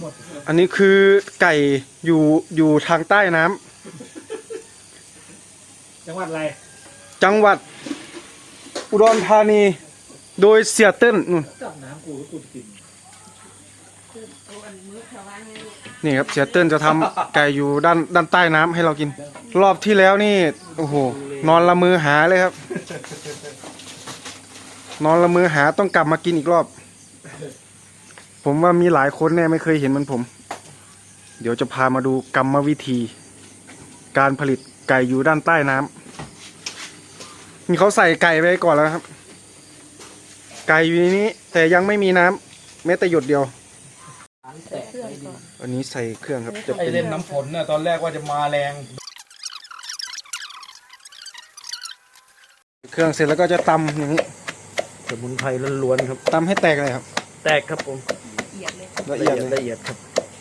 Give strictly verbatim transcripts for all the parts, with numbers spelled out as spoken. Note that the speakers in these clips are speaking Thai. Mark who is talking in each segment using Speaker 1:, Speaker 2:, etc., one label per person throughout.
Speaker 1: หมด
Speaker 2: อันนี้คือไก่อยู่อยู่ทางใต้น้
Speaker 1: ำจังหวัดอะไร
Speaker 2: ำจังหวัดอุดรธานีโดยเสียเติ้ลนู่น
Speaker 1: จับน้ำกูแล้วกูจะกิน
Speaker 2: นี่ครับเสียเติ้ลจะทำไก่อยู่ด้านด้านใต้น้ำให้เรากิน รอบที่แล้วนี่โอ้โหนอนละมือหาเลยครับ นอนละมือหาต้องกลับมากินอีกรอบ ผมว่ามีหลายคนแน่ไม่เคยเห็นเหมือนผม เดี๋ยวจะพามาดูกรรมวิธี การผลิตไก่อยู่ด้านใต้น้ำนี่เขาใส่ไก่ไปก่อนแล้วครับ ไก่อยู่ในนี้แต่ยังไม่มีน้ำแม้แต่หยดเดียวอันนี้ใส่เครื่องครับจะ
Speaker 1: ไอ
Speaker 2: เป็น
Speaker 1: เล่นน้ำฝนน่ะตอนแรกว่าจะมาแรง
Speaker 2: เครื่องเสร็จแล้วก็จะตำอย่างนี้
Speaker 1: สมุนไพรล้วนๆครับ
Speaker 2: ตำให้แตกเลยครับ
Speaker 1: แตกครับผม
Speaker 2: ละเอียด
Speaker 1: ละเอียดครับ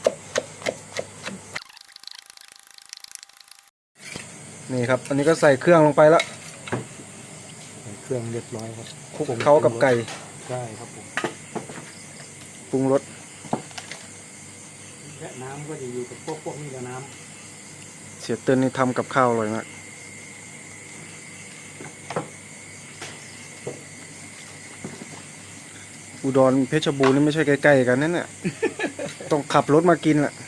Speaker 2: นี่ครับอันนี้ก็ใส่เครื่องลงไปแล้ว
Speaker 1: เครื่องเรียบร้อยครับ
Speaker 2: คลุกเข้ากับไก่
Speaker 1: ใช่ครับผม
Speaker 2: ปรุงรส
Speaker 1: และน้ำก็จะอยู่กับพวกพวกนี้กับน้ำ
Speaker 2: เสียเติ้ลนี่ทำกับข้าวอร่อยมากอุดรเพชรบูรณ์นี่ไม่ใช่ใกล้ๆกันนั่นแหละ ต้องขับรถมากินแหละ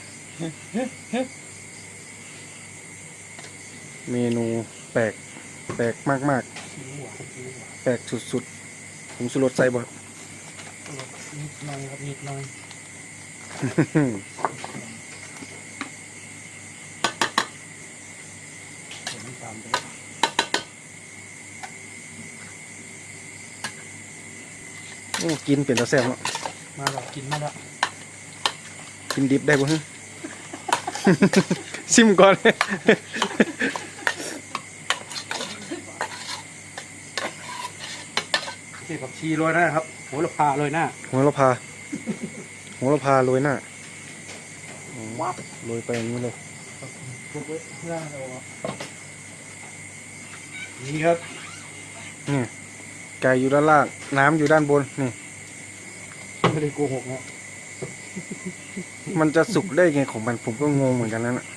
Speaker 2: เมนูแปลกแปลกมากๆแปลกสุดๆผมสุรสใส่บ่
Speaker 1: นิดหน่อยครับนิดหน่อยตามไป
Speaker 2: โอ้กินเป็นตะแซ่บเนาะ
Speaker 1: มาแล้วกินมาแล้ว
Speaker 2: กินดิบได้บ่ฮะ ซิมก่อน
Speaker 1: เก็บผักชีโรยหน้าครับโหระพาโรยหน้า
Speaker 2: โหระพาโหระพาโรยหน้าวับโรยไปอย่างนี้เลย
Speaker 1: นี่ครับ
Speaker 2: นี่ไก่อยู่ด้านล่างน้ำอยู่ด้านบนนี่
Speaker 1: ไม่ได้โกหกนะ
Speaker 2: มันจะสุกได้ไงของมันผมก็งงเหมือนกันนั่นแหละ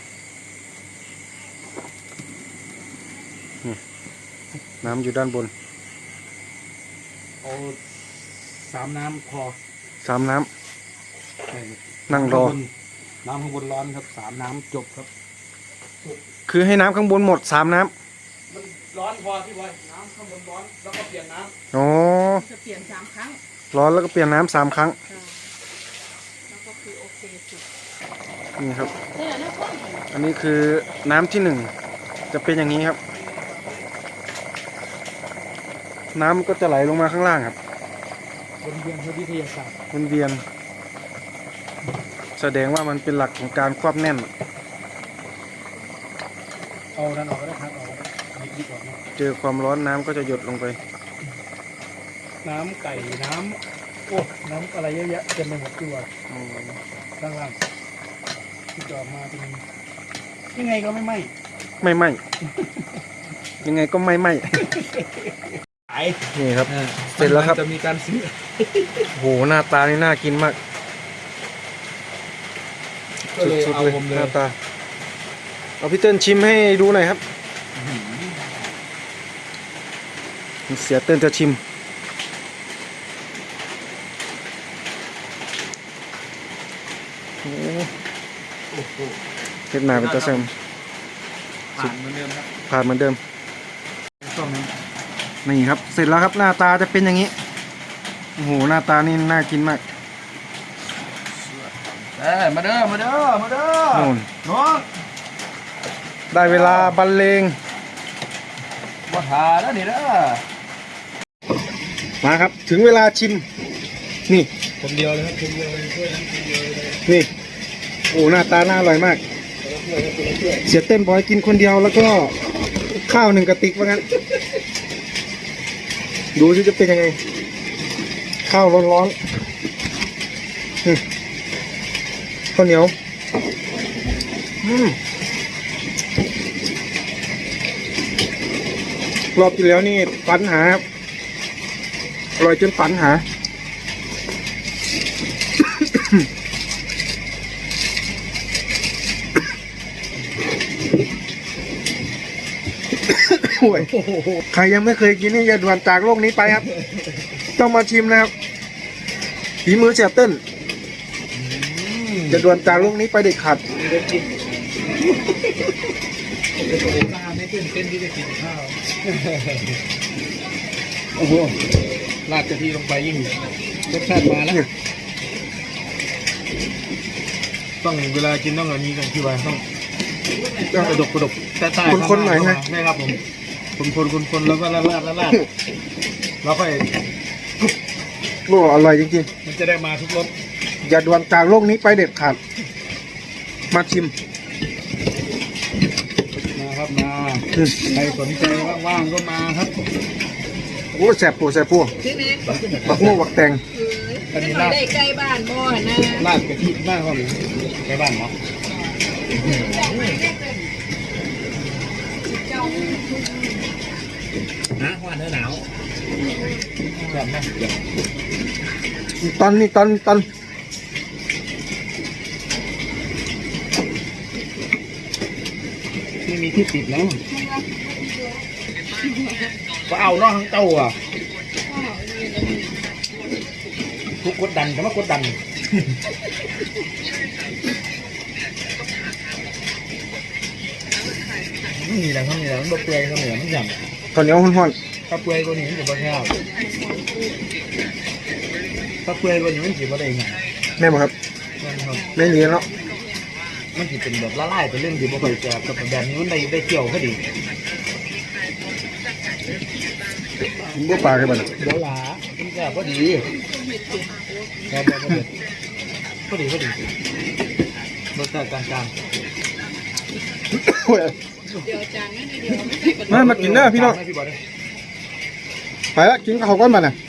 Speaker 2: นี่น้ำอยู่ด้านบน
Speaker 1: เอาสามน้ำพอ
Speaker 2: สามน้ำนั่งรอ
Speaker 1: น้ำข้างบนร้อนครับสามน้ำจบครับ
Speaker 2: คือให้น้ำข้างบนหมดสามน้ำ
Speaker 1: มันร้อนพอพี่บอยน้ำข้างบนร้อนแล้วก็เปลี่ยนน้ำ
Speaker 2: อ๋อ
Speaker 3: จะเปลี่ยนสามครั้ง
Speaker 2: ร้อนแล้วก็เปลี่ยนน้ำสามครั้ง
Speaker 3: แล้วก็คือโอเคสุด
Speaker 2: นี่ครับอันนี้คือน้ำที่หนึ่งจะเป็นอย่างนี้ครับน้ำก็จะไหลลงมาข้างล่างครับ
Speaker 1: วนเวียนวิทยาศาสตร์
Speaker 2: วนเวียนแสดงว่ามันเป็นหลักของการควบแน่น
Speaker 1: เอาดันออกก็ได้ครับเอาดิบออกนะ
Speaker 2: เจอความร้อนน้ำก็จะหยดลงไป
Speaker 1: น้ำไก่น้ำโอ้น้ำอะไรเยอะแยะเต็มไปหมดตัวข้างล่างที่จอดมาเป็นยังไงก็ไม่ไหม้
Speaker 2: ไม่ไหม้ยังไงก็ไม่ไหม้นี่ครับเสร็จแล้วครับ
Speaker 1: จะมีการซื้อ
Speaker 2: โหหน้าตานี่น่ากินมากสุดๆเลยหน้าตาเอาพี่เติ้ลชิมให้ดูหน่อยครับเสียเติ้ลจะชิมเฮ็ดหน้าเป็นตาแซม
Speaker 1: ผ่านเหมือนเดิมครับ
Speaker 2: ผ่านเหมือนเดิมนี่ครับเสร็จแล้วครับหน้าตาจะเป็นอย่างนี้โอ้โหหน้าตานี่น่ากินมาก
Speaker 1: เอ้มาเด้อมาเด้อมาเด้อ
Speaker 2: โน่น
Speaker 1: น้อง
Speaker 2: ได้เวลาบรรเลง
Speaker 1: วัดหาแล้วนี่เด้อ
Speaker 2: มาครับถึงเวลาชิมนี่
Speaker 1: คนเดียวเลยครับคนเดียวเลยช่วยคนเดียวเลย
Speaker 2: นี่โอ้หน้าตาน่าอร่อยมากเสียเต้นบอยกินคนเดียวแล้วก็ข้าวหนึ่งกระติกว่างั้นดูที่จะเป็นยังไงข้าวร้อนๆข้าวเหนียวรอบที่แล้วนี่ฝันหาครับอร่อยจนฝันหาโอ้ยใครยังไม่เคยกินนี่อย่าด่วนจากโลกนี้ไปครับ ต้องมาชิมนะครับฝีมือเสียเติ้ลจะด่วนจากโลกนี้ไปเด็ดขาด
Speaker 1: เป็นตัวเองไม่ตื่นเต้นที่จะกินข้าวโอ้โหราดกะทิลงไปยิ่งรสชาติมาแล้วต้องเวลากินต้องแบบนี้กันที่ว่าต้องต้องกระดกกระดกใต้ๆ
Speaker 2: คนๆหน่อยใช่ไหม
Speaker 1: ใช่ครับผมคนคนคนคนแล้วก็ลาดลาดลาดลาดแล้วค่อย
Speaker 2: โอ้อร่อยจริง
Speaker 1: มันจะได้มาทุกรส
Speaker 2: ๆ อย่าด่วนจากโลกนี้ไปเด็ดขาด มาชิม
Speaker 1: มาครับมา
Speaker 2: อืม
Speaker 1: ใครสนใจว่างๆก็มาครับ
Speaker 2: โอ้แสบปูแสบปู
Speaker 3: ใช่ไหม
Speaker 2: บักโม่บักแตง
Speaker 3: เป็นหน่อยได้ใกล้บ้านบ่อนะ
Speaker 1: ลาดกะทิบ้านเขาหรือไปบ้านเนาะ
Speaker 4: นะว่าเนื้อหนาว
Speaker 1: แบบนั้น
Speaker 2: ตอนนี้ตอนตอน
Speaker 1: ไม่มีที่ติดแล้วก็เอาเนาะทั้งเต้าอ่ะทุกกดดันแต่ว่ากดดันนี่แหละเขาเนี่ยมันบะเปื่อยเขาเนี่ยมันอย่าง
Speaker 2: ตอนนี้ห้อน
Speaker 1: ถ้าเปื่อยกว่านี้มันจะบะแค่บถ้าเปื่อยกว่านี้มันจะบะได้ไง
Speaker 2: ๆแม่บอกครับ
Speaker 1: มันครับ
Speaker 2: แม่นี้เนาะ
Speaker 1: มันจะเป็นแบบละลายไปเรื่องที่บ่ค่อยจะกับแบบนี้มันได้ได้เกี่ยวพอดี
Speaker 2: บัวปลากันบ้าง
Speaker 1: เดี๋ยวหลามันจะพอดีครับพอดีพอดีรสชาติกลาง
Speaker 2: โอ้ย
Speaker 3: เดี๋ยวจานนั้นเดี๋ยวไม่ใส่กระดูก
Speaker 2: มามากินเด้อพี่น้อง
Speaker 1: พี่บอล
Speaker 2: ไปละกินข้าวก้อนมาน่ะ